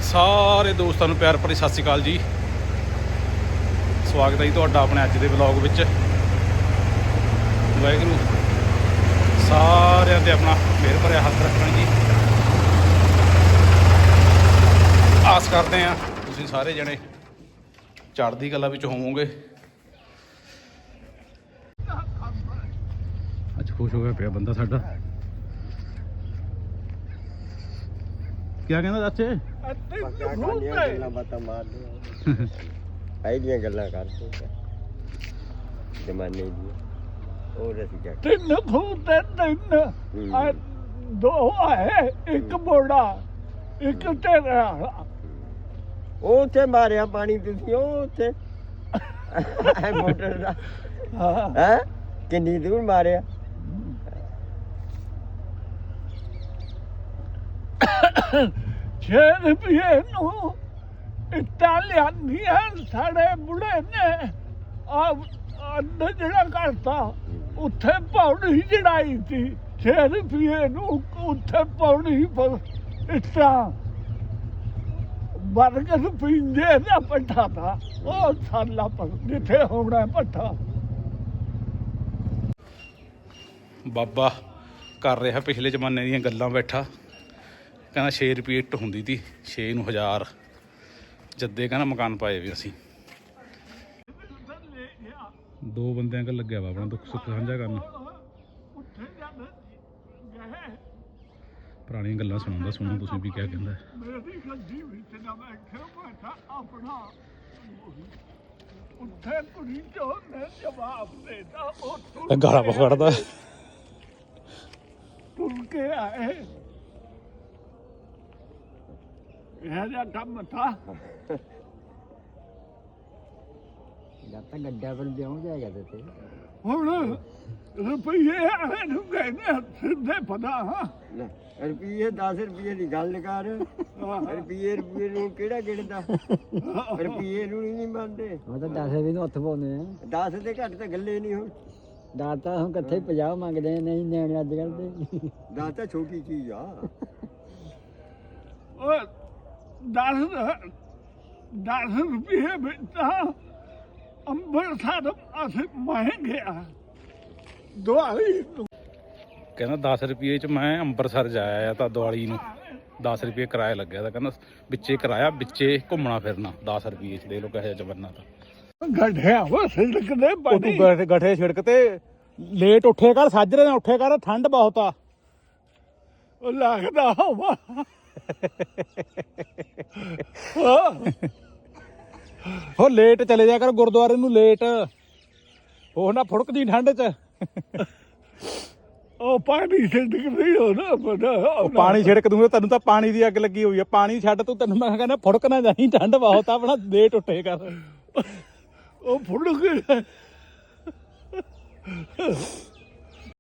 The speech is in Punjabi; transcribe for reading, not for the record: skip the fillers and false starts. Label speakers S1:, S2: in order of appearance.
S1: ਸਾਰੇ ਦੋਸਤਾਂ ਨੂੰ ਪਿਆਰ ਭਰੀ ਸਤਿ ਸ਼੍ਰੀ ਅਕਾਲ ਜੀ। ਸਵਾਗਤ ਹੈ ਜੀ ਤੁਹਾਡਾ ਆਪਣੇ ਅੱਜ ਦੇ ਵਲੌਗ ਵਿੱਚ। ਵਾਹਿਗੁਰੂ ਸਾਰਿਆਂ ਤੇ ਆਪਣਾ ਮਿਹਰ ਭਰਿਆ ਹੱਥ ਰੱਖਣ ਜੀ। ਆਸ ਕਰਦੇ ਹਾਂ ਤੁਸੀਂ ਸਾਰੇ ਜਣੇ ਚੜ੍ਹਦੀ ਕਲਾ ਵਿੱਚ ਹੋਵੋਗੇ। ਅੱਜ ਖੁਸ਼ ਹੋ ਗਿਆ ਪਿਆ ਬੰਦਾ ਸਾਡਾ। ਕਿਆ ਕਹਿੰਦਾ ਚਾਚੇ?
S2: ਗੱਲਾਂ ਬਾਤਾਂ ਮਾਰਦੇ ਆਈਆਂ ਗੱਲਾਂ ਕਰਦੇ ਜ਼ਮਾਨੇ ਦੀਆਂ। ਹੋਰ ਅਸੀਂ ਕਿਆ
S3: ਤਿੰਨ ਖੂਤੇ ਤਿੰਨ ਦੋ ਹੈ, ਇੱਕ ਮੋੜਾ ਇੱਕ ਤੇਰਾ।
S2: ਉਹ ਉੱਥੇ ਮਾਰਿਆ ਪਾਣੀ ਤੁਸੀਂ ਉਹ ਉੱਥੇ ਮੋਟਰ ਦਾ ਹੈ ਕਿੰਨੀ ਦੂਰ ਮਾਰਿਆ?
S3: ਛੇ ਰੁਪਏ ਨੂੰ ਇੱਟਾਂ ਲਿਆਂਦੀਆਂ ਸਾਡੇ ਬੁੜੇ ਨੇ ਅੱਧ ਜਿਹੜਾ ਕਰਤਾ। ਉੱਥੇ ਪੌੜੀ ਚੜਾਈ ਸੀ 6 ਰੁਪਏ ਨੂੰ। ਉੱਥੇ ਪੌੜੀ ਪਰ ਇੱਟਾਂ ਬਰਗਦ ਪੀਂਦੇ ਦਾ ਪੱਠਾ ਤਾ ਉਹ ਸਾਲਾ ਪਰ ਜਿੱਥੇ ਹੋਣਾ ਪੱਠਾ।
S1: ਬਾਬਾ ਕਰ ਰਿਹਾ ਪਿਛਲੇ ਜ਼ਮਾਨੇ ਦੀਆਂ ਗੱਲਾਂ ਬੈਠਾ। ਕਹਿੰਦਾ 6 ਰੁਪਏ ਇੱਟ ਹੁੰਦੀ ਤੀ, 6 ਨੂੰ 1000 ਜੱਦੇ ਕਹਿੰਦਾ ਮਕਾਨ ਪਾਏ ਵੀ ਅਸੀਂ। ਦੋ ਬੰਦਿਆਂ ਕੋਲ ਲੱਗਿਆ ਵਾ ਆਪਣਾ ਦੁੱਖ ਸੁੱਖ ਸਾਂਝਾ ਕਰਨ। ਪੁਰਾਣੀਆਂ ਗੱਲਾਂ ਸੁਣਾਉਂਦਾ, ਸੁਣੋ ਤੁਸੀਂ ਵੀ ਕਿਆ ਕਹਿੰਦਾ।
S3: ਮੇਰੀ ਗੱਡੀ ਵਿੱਚ ਨਾ ਬੈਠੇ ਬੈਠਾ ਆਪਣਾ ਉੱਥੇ ਕੁੜੀ ਚੋਂ ਨੇ ਜਵਾਬ ਦੇਤਾ। ਉਹ
S1: ਗਾਲਾਂ ਪਕੜਦਾ
S3: ਤੁਰ ਕੇ ਆਏ। ਇਹ ਜਿਹਾ ਕੰਮ ਥਾ।
S2: ਜਦ ਤੱਕ ਗੱਡਾ ਪਰ ਜਾਉਂ ਜਾਏਗਾ ਤੇ
S3: ਹੁਣ ਰੁਪਈਏ ਆਏ ਨੂੰ ਕਹਿੰਦੇ ਸਿੱਧੇ ਪਤਾ। ਹਾਂ
S2: ਰੁਪਈਏ 10 ਰੁਪਈਏ ਦੀ ਗੱਲ ਕਰ। ਰੁਪਈਏ ਨੂੰ ਕਿਹੜਾ ਗਿਣਦਾ? ਰੁਪਈਏ ਨੂੰ ਨਹੀਂ ਮੰਨਦੇ।
S4: ਉਹ ਤਾਂ 10 ਵੀ ਨੂੰ ਹੱਥ ਪਾਉਂਦੇ ਆ।
S2: 10 ਦੇ ਘੱਟ ਤਾਂ ਗੱਲੇ ਨਹੀਂ ਹੁਣ।
S4: ਦਾਤਾ ਹੁਣ ਕਿੱਥੇ 50 ਮੰਗਦੇ ਆ, ਨਹੀਂ ਨਿਆਣੇ ਅੱਜ ਕੱਲ੍ਹ ਦੇ।
S2: 10 ਤਾਂ ਛੋਟੀ ਚੀਜ਼ ਆ।
S3: ਉਹ 10 ਰੁਪਏ ਵਿੱਚ ਤਾਂ ਅੰਮ੍ਰਿਤਸਰ ਅਸੀਂ ਮੈਂ ਗਿਆ ਦਵਾਈ ਨੂੰ।
S1: ਕਹਿੰਦਾ 10 ਰੁਪਏ ਚ ਮੈਂ ਅੰਮ੍ਰਿਤਸਰ ਜਾਇਆ ਤਾਂ ਦੀਵਾਲੀ ਨੂੰ 10 ਰੁਪਏ ਕਿਰਾਇਆ ਲੱਗਿਆ ਤਾਂ ਕਹਿੰਦਾ ਵਿੱਚੇ ਕਿਰਾਇਆ ਵਿੱਚੇ ਘੁੰਮਣਾ ਫਿਰਨਾ 10 ਰੁਪਏ ਚ। ਦੇ ਲੋ ਕਿਹੋ ਜਿਹਾ ਜ਼ਮਾਨਾ ਤਾਂ।
S3: ਗੱਡਿਆ ਉਹ ਸਿਲਕ ਦੇ ਪਾਣੀ।
S1: ਗਠੇ ਛਿੜਕ ਤੇ ਲੇਟ ਉੱਠੇ ਕਰ, ਸਾਜਰੇ ਨਾਲ ਉੱਠੇ ਕਰ, ਠੰਡ ਬਹੁਤ ਆ।
S3: ਉਹ ਲੱਗਦਾ ਹੋਵਾ
S1: ਹੋ ਲੇਟ ਚਲੇ ਜਾ ਕਰ ਗੁਰਦੁਆਰੇ ਨੂੰ, ਲੇਟ ਉਹ ਨਾ ਫੁੜਕਦੀ ਠੰਡ ਚ।
S3: ਉਹ ਪਾਣੀ ਛਿੜਕ ਨਹੀਂ ਹੋਣਾ ਪਤਾ।
S1: ਉਹ ਪਾਣੀ ਛਿੜਕ ਦੂੰਗਾ, ਤੈਨੂੰ ਤਾਂ ਪਾਣੀ ਦੀ ਅੱਗ ਲੱਗੀ ਹੋਈ ਆ। ਪਾਣੀ ਛੱਡ ਤੂੰ, ਤੈਨੂੰ ਮੈਂ ਕਹਿੰਦਾ ਫੁੜਕ ਨਾ ਜਾਈ, ਠੰਡ ਬਹੁਤ ਆ। ਆਪਣਾ ਲੇਟ ਉੱਠੇ ਕਰ।
S3: ਉਹ ਫੁੜ ਕੇ